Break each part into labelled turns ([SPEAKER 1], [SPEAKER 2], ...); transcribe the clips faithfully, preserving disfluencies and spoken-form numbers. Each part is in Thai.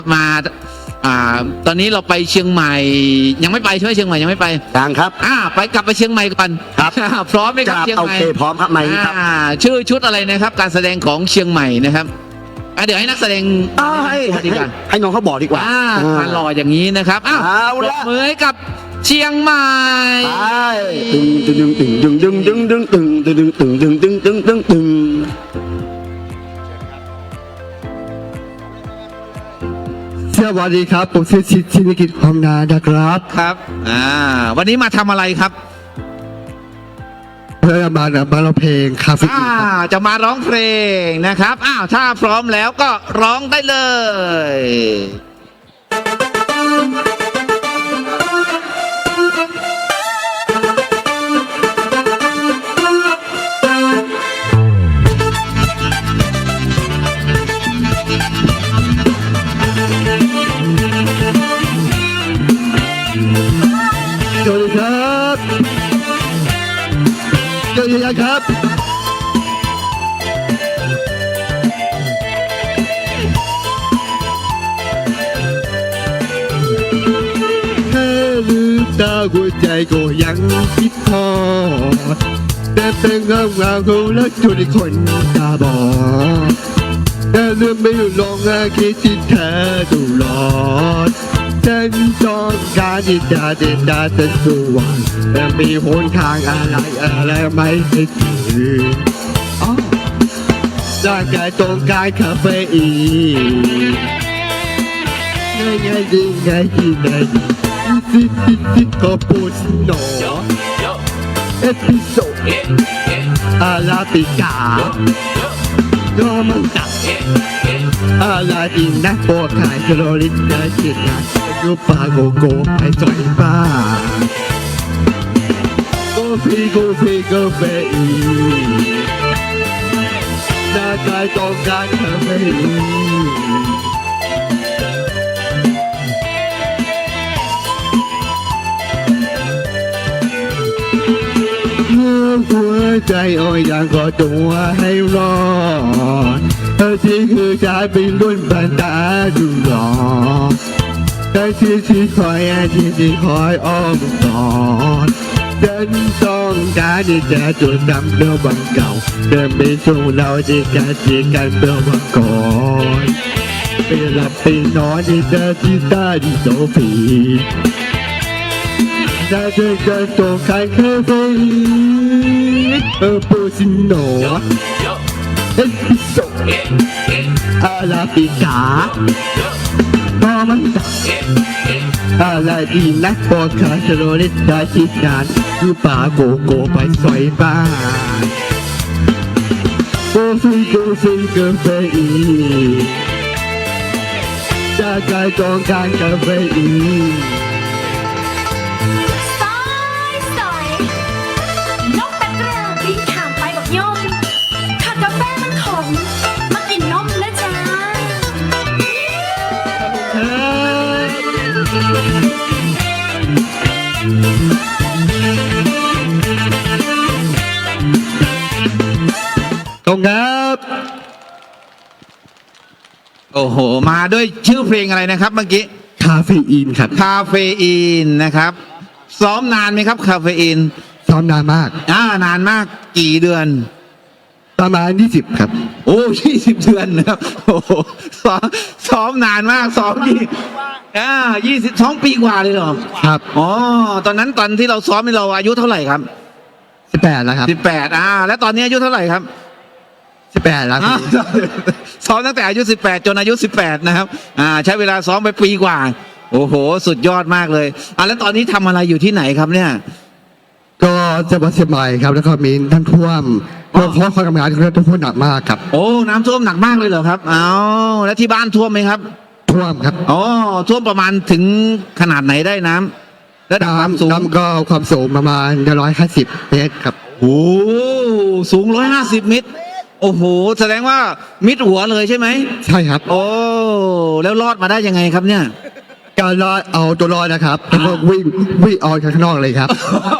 [SPEAKER 1] มาอ่าตอนนี้เราไปเชียงใหม่ยังไม่ไปใช่ไหมเชียงใหม่ยังไม่ไป
[SPEAKER 2] ยังครับ
[SPEAKER 1] อ่าไปกลับไปเชียงใหม่ก่อน
[SPEAKER 2] ครับ
[SPEAKER 1] พร้อมไหมครับ
[SPEAKER 2] จะ
[SPEAKER 1] เชียง
[SPEAKER 2] โอ
[SPEAKER 1] ใหม่
[SPEAKER 2] เคพร้อมครับไหมครับ
[SPEAKER 1] อ่าชื่อชุดอะไรนะครับ การแสดงของเชียงใหม่นะครับอ่ะเดี๋ยวให้นักแสดง
[SPEAKER 2] อ้าวให้
[SPEAKER 1] ดีกว่า
[SPEAKER 2] ให้น้องเขาบอกดีกว่า
[SPEAKER 1] อ่ามาหล่ออย่างนี้นะครับอ้าว
[SPEAKER 2] เอา
[SPEAKER 1] ปร
[SPEAKER 2] ละ
[SPEAKER 1] บมือให้กับเชียงใหม่
[SPEAKER 2] ไปตึงตึงตึงตึงตึงตึงตึงตึงตึงตึงตึงตึงตึงตึงตึง
[SPEAKER 3] สวัสดีครับผมชื่อชิดชินกิจหอมนานะครับ
[SPEAKER 1] ครับอ่าวันนี้มาทำอะไรครับ
[SPEAKER 3] เพื่อมามาร้องเพลงคาเฟ่
[SPEAKER 1] อ่าจะมาร้องเพลงนะครับอ้าวถ้าพร้อมแล้วก็ร้องได้เลย
[SPEAKER 3] สวัสดีครับสวัสดีครับแค่ลืมตาหัวใจก็ยังคิดทอดแต่เป็นเงาเงาของรักจนคนตาบอดแต่ลืมไม่ลงอาคิดที่เธอตลอดฉันต้องการที่จะเดินดาแต่สว่างแต่มีหนทางอะไรอะไรไม่ให้ถึงอ๋อร่างกายต้องการคาเฟอีนง่ายง่ายดีง่ายดีง่ายดีซิซิซิคาปูชิโน่เอสพิโซอาราบิกาโรมันตักอาลาดินนะโปรดขายโคลอริสได้จิตนะยูปาโกโก้ไปจอยบ้าโกฟีโกฟีโกเฟอีร่างกายต้องการคาเฟอีหัวใจอ่อยอย่างก็ตัวให้รอดเธอที่คือชายเป็นรุ่นบันดาดูหลอกแต่ที่ที่คอยที่ที่คอยอ้อมกอดฉันต้องการที่จะจดจำเรื่องวันเก่าเดินไปสู่เราที่กันที่กันเมื่อวันก่อนไปหลับไปนอนที่เธอที่ตาที่โซฟีถ้าเธอจะต้องการคาเฟอีนเออปูซิโนเอสพิโซอาราบิกาโรมันตักอาลาดีนักโปรดขายโคลอริสได้ชิดงานยูปาโกโก้ไปซอยบ้านโกฟีโกฟีกาเฟอีนจากการต้องการคาเฟอีน
[SPEAKER 4] สอยสอยนกตะกร้าบินข้ามไปบอกยมถ้ากาแฟมันขมมากินนมนะจ๊ะ
[SPEAKER 3] ตรงครับ
[SPEAKER 1] โอ้โหมาด้วยชื่อเพลงอะไรนะครับเมื่อกี้
[SPEAKER 3] คาเฟอีนครับ
[SPEAKER 1] คาเฟอีนนะครับซ้อมนานไหมครับคาเฟอีน
[SPEAKER 3] ซ้อมนานมาก
[SPEAKER 1] อ่านานมากกี่เดือน
[SPEAKER 3] ประมาณยี่สิบครับ
[SPEAKER 1] โอ้ยี่สิบเดือนนะครับโอ้โหซ้อมซ้อมนานมากซ้อมยี่อ่ายี่สิบสองปีกว่าเลยเหรอ
[SPEAKER 3] ครับ
[SPEAKER 1] อ๋อตอนนั้นตอนที่เราซ้อมนี่เราอายุเท่าไหร่ครับ
[SPEAKER 3] สิบแปดแล้วครับ
[SPEAKER 1] สิบแปดอ่าแล้วตอนนี้อายุเท่าไหร่ครับ
[SPEAKER 3] สิบแปดแล้ว
[SPEAKER 1] อ่า ซ้อมตั้งแต่อายุสิบแปดจนอายุสิบแปดนะครับอ่าใช้เวลาซ้อมไปปีกว่า โอ้โห สุดยอดมากเลยอ่าแล้วตอนนี้ทำอะไรอยู่ที่ไหนครับเนี่ย
[SPEAKER 3] ก็จังหวัดเชียงใหม่ครับ แล้วก็มีน้ำท่วมเพราะเพราะความทำงานของเราท่วมหนักมากครับ
[SPEAKER 1] โอ้น้ำท่วมหนักมากเลยเหรอครับเอาแล้วที่บ้านท่วมไหมครับ
[SPEAKER 3] ท่วมครับ
[SPEAKER 1] อ๋อท่วมประมาณถึงขนาดไหนได้น้ำระดับความสูง
[SPEAKER 3] น้ำก็ความสูงประมาณร้อยห้าสิบเมตรครับ
[SPEAKER 1] โอ้สูงร้อยห้าสิบเมตร โอ้โหแสดงว่ามิดหัวเลยใช่ไหม
[SPEAKER 3] ใช่ครับ
[SPEAKER 1] โอ้แล้วรอดมาได้ยังไงครับเนี่ย
[SPEAKER 3] การรอดเอาตัวรอดนะครับแล้วก็วิ่งวิ่งออกข้างนอกเลยครับ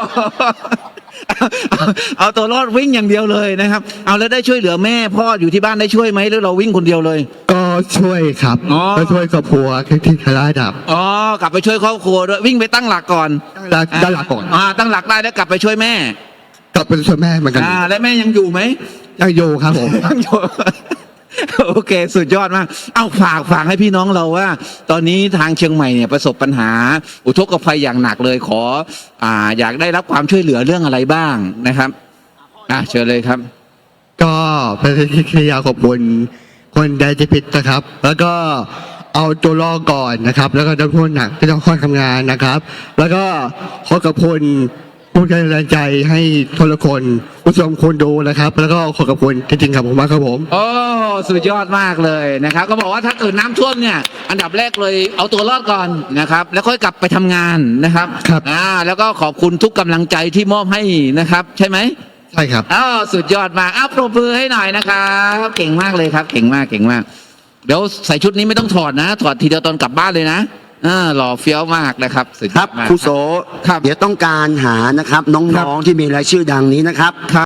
[SPEAKER 1] เอาเอาตัวรอดวิ่งอย่างเดียวเลยนะครับ เอาแล้วได้ช่วยเหลือแม่พ่ออยู่ที่บ้านได้ช่วยไหมหรือเราวิ่งคนเดียวเลย
[SPEAKER 3] ก็ช่วยครับ
[SPEAKER 1] อ๋อ
[SPEAKER 3] ก็ช่วยครอบครัวที่ทลายดับ
[SPEAKER 1] อ๋อกลับไปช่วยครอบครัวด้วยวิ่งไปตั้งหลักก่อน
[SPEAKER 3] ด้านด้านหลังก่อน
[SPEAKER 1] อ่าตั้งหลักได้แล้วกลับไปช่วยแม่
[SPEAKER 3] กลับไปช่วยแม่เหมือนกัน
[SPEAKER 1] อ่าและแม่ยังอยู่ไหม
[SPEAKER 3] ยังโยครับผม
[SPEAKER 1] ยังอยู่ โอเค สุดยอดมาก เอาฝากฝากให้พี่น้องเราว่า ตอนนี้ทางเชียงใหม่เนี่ยประสบปัญหา อุทกภัยอย่างหนักเลยขอ อ่า อยากได้รับความช่วยเหลือเรื่องอะไรบ้างนะครับ อ่ะเชิญเลยครับ
[SPEAKER 3] ก็เป็นที่ยาขอบคุณคนใดที่ผิดนะครับ แล้วก็เอาตัวรอดก่อนนะครับ แล้วก็ต้องพูดหนักที่ต้องค่อยทำงานนะครับ แล้วก็ขอขอบคุณผู้ใจแรงใจให้ทุกคนผู้ชมคนดูนะครับ แล้วก็ขอขอบคุณจริงๆครับผมมากครับผม
[SPEAKER 1] โอ้สุดยอดมากเลยนะครับ ก็บอกว่าถ้าเกิดน้ำท่วมเนี่ย อันดับแรกเลยเอาตัวรอดก่อนนะครับ แล้วค่อยกลับไปทำงานนะครับ
[SPEAKER 3] ครับ
[SPEAKER 1] อ่าแล้วก็ขอบคุณทุกกำลังใจที่มอบให้นะครับ ใช่ไหม
[SPEAKER 3] ใช่ครับ
[SPEAKER 1] อ้าวสุดยอดมากอ้าวปรบมือให้หน่อยนะครับเก่งมากเลยครับ เก่งมากเก่งมาก เดี๋ยวใส่ชุดนี้ไม่ต้องถอดนะ ถอดทีเดียวตอนกลับบ้านเลยนะอ่าหล่อเฟี้ยวมากนะครับสุดย
[SPEAKER 2] ค
[SPEAKER 1] อ
[SPEAKER 2] รับ
[SPEAKER 1] ดมาก
[SPEAKER 2] ครูโส
[SPEAKER 1] ครับ
[SPEAKER 2] เดี๋ยวต้องการหานะครับ
[SPEAKER 1] ครั
[SPEAKER 2] น้อง
[SPEAKER 1] บ
[SPEAKER 2] ๆที่มีรายชื่อดังนี้นะครับ